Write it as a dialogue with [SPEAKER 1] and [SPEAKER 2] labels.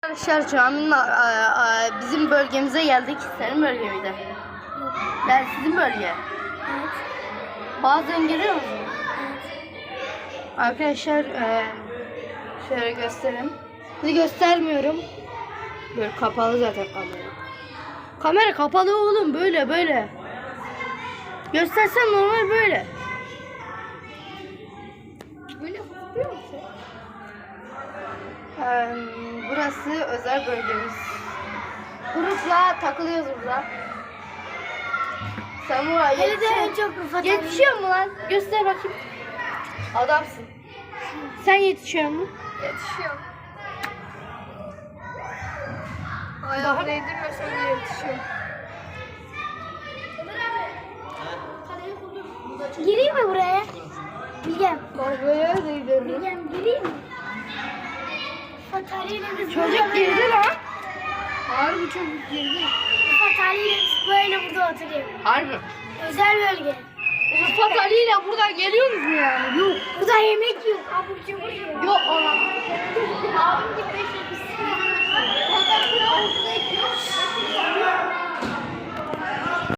[SPEAKER 1] Arkadaşlar caminin bizim bölgemize geldik. Senin bölge miydi? Ben sizin bölge.
[SPEAKER 2] Evet.
[SPEAKER 1] Bazen geliyor musun? Arkadaşlar şöyle göstereyim. Sizi göstermiyorum. Böyle kapalı zaten kamera. Kamera kapalı oğlum, böyle. Göstersem normal böyle.
[SPEAKER 2] Böyle hafifliyor musun?
[SPEAKER 1] Burası özel bölgemiz. Grupla takılıyoruz burada. Samuray
[SPEAKER 2] Hele de en çok Rıfat
[SPEAKER 1] yetişiyor mu lan? Göster bakayım. Adamsın. Sen yetişiyor mu?
[SPEAKER 2] yetişiyor. Ayağını değdirmesen de yetişiyor. Gireyim mi buraya? Bilgem.
[SPEAKER 1] Buraya değdirdim.
[SPEAKER 2] Bilgem gireyim mi? Rıfat Ali'yle biz
[SPEAKER 1] Çocuk girdi lan. Harbi çocuk girdi.
[SPEAKER 2] Rıfat Ali'yle biz böyle burada oturuyoruz.
[SPEAKER 1] Harbi.
[SPEAKER 2] Özel bölge.
[SPEAKER 1] Rıfat Ali ile buradan geliyorsunuz mu yani? Yok.
[SPEAKER 2] Burada yemek yok. Abur cubur yok.
[SPEAKER 1] Yok ona.